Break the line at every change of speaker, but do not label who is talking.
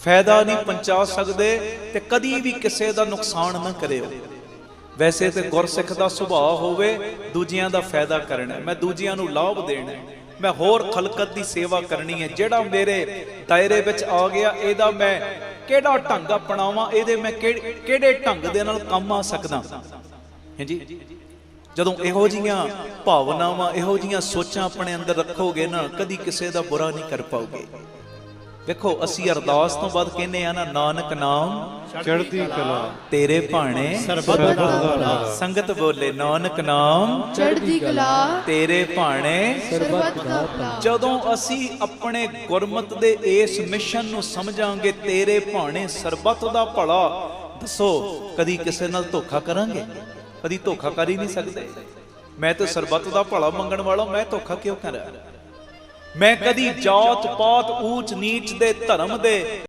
ਫਾਇਦਾ ਨਹੀਂ ਪਹੁੰਚਾ ਸਕਦੇ ਤੇ ਕਦੀ ਵੀ ਕਿਸੇ ਦਾ ਨੁਕਸਾਨ ਨਾ ਕਰਿਓ। ਵੈਸੇ ਤੇ ਗੁਰਸਿੱਖ ਦਾ ਸੁਭਾਅ ਹੋਵੇ ਦੂਜਿਆਂ ਦਾ ਫਾਇਦਾ ਕਰਨਾ, ਮੈਂ ਦੂਜਿਆਂ ਨੂੰ ਲਾਭ ਦੇਣਾ, ਮੈਂ ਹੋਰ ਖਲਕਤ ਦੀ ਸੇਵਾ ਕਰਨੀ ਹੈ। ਜਿਹੜਾ ਮੇਰੇ ਦਾਇਰੇ ਵਿੱਚ ਆ ਗਿਆ ਇਹਦਾ ਮੈਂ ਕਿਹੜਾ ਢੰਗ ਅਪਣਾਵਾਂ, ਇਹਦੇ ਮੈਂ ਕਿਹੜੇ ਢੰਗ ਦੇ ਨਾਲ ਕੰਮ ਆ ਸਕਦਾ ਹੈ ਜੀ। ਜਦੋਂ ਇਹੋ ਜੀਆਂ ਭਾਵਨਾਵਾਂ ਇਹੋ ਜੀਆਂ ਸੋਚਾਂ ਆਪਣੇ ਅੰਦਰ ਰੱਖੋਗੇ ਨਾ, ਕਦੀ ਕਿਸੇ ਦਾ ਬੁਰਾ ਨਹੀਂ ਕਰ ਪਾਓਗੇ। ਵੇਖੋ ਅਸੀਂ ਅਰਦਾਸ ਤੋਂ ਬਾਅਦ ਕਹਿੰਦੇ ਆ ਨਾ, ਨਾਨਕ ਨਾਮ
ਚੜ੍ਹਦੀ ਕਲਾ
ਤੇਰੇ ਭਾਣੇ
ਸਰਬਤ ਦਾ ਭਲਾ।
ਸੰਗਤ ਬੋਲੇ, ਨਾਨਕ ਨਾਮ
ਚੜ੍ਹਦੀ ਕਲਾ
ਤੇਰੇ ਭਾਣੇ
ਸਰਬਤ ਦਾ ਭਲਾ।
ਜਦੋਂ ਅਸੀਂ ਆਪਣੇ ਗੁਰਮਤ ਦੇ ਇਸ ਮਿਸ਼ਨ ਨੂੰ ਸਮਝਾਂਗੇ, ਤੇਰੇ ਭਾਣੇ ਸਰਬਤ ਦਾ ਭਲਾ, ਦੱਸੋ ਕਦੀ ਕਿਸੇ ਨਾਲ ਧੋਖਾ ਕਰਾਂਗੇ? ਕਦੀ ਧੋਖਾ ਕਰ ਹੀ ਨਹੀਂ ਸਕਦੇ। ਮੈਂ ਤਾਂ ਸਰਬਤ ਦਾ ਭਲਾ ਮੰਗਣ ਵਾਲਾ, ਮੈਂ ਧੋਖਾ ਕਿਉਂ ਕਰਾਂ? ਮੈਂ ਕਦੀ ਜਾਤ ਪਾਤ ਊਚ ਨੀਚ ਦੇ ਧਰਮ ਦੇ